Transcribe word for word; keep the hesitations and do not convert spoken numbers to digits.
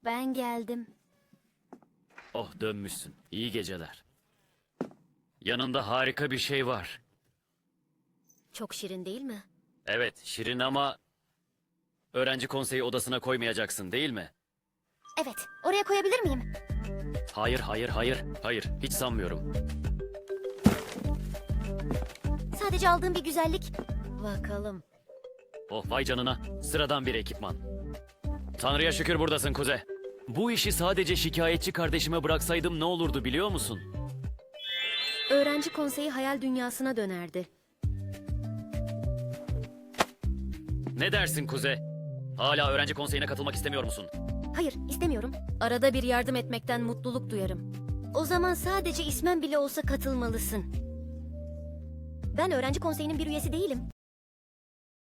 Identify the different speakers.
Speaker 1: Ben geldim.
Speaker 2: Oh, dönmüşsün. İyi geceler. Yanında harika bir şey var.
Speaker 1: Çok şirin değil mi?
Speaker 2: Evet, şirin ama öğrenci konseyi odasına koymayacaksın, değil mi?
Speaker 1: Evet. Oraya koyabilir miyim?
Speaker 2: Hayır, hayır, hayır. Hayır, hiç sanmıyorum.
Speaker 1: Sadece aldığım bir güzellik. Bakalım.
Speaker 2: Oh, vay canına. Sıradan bir ekipman. Tanrı'ya şükür buradasın Kuze. Bu işi sadece şikayetçi kardeşime bıraksaydım ne olurdu biliyor musun?
Speaker 1: Öğrenci konseyi hayal dünyasına dönerdi.
Speaker 2: Ne dersin Kuze? Hala öğrenci konseyine katılmak istemiyor musun?
Speaker 1: Hayır, istemiyorum. Arada bir yardım etmekten mutluluk duyarım. O zaman sadece ismen bile olsa katılmalısın. Ben öğrenci konseyinin bir üyesi değilim.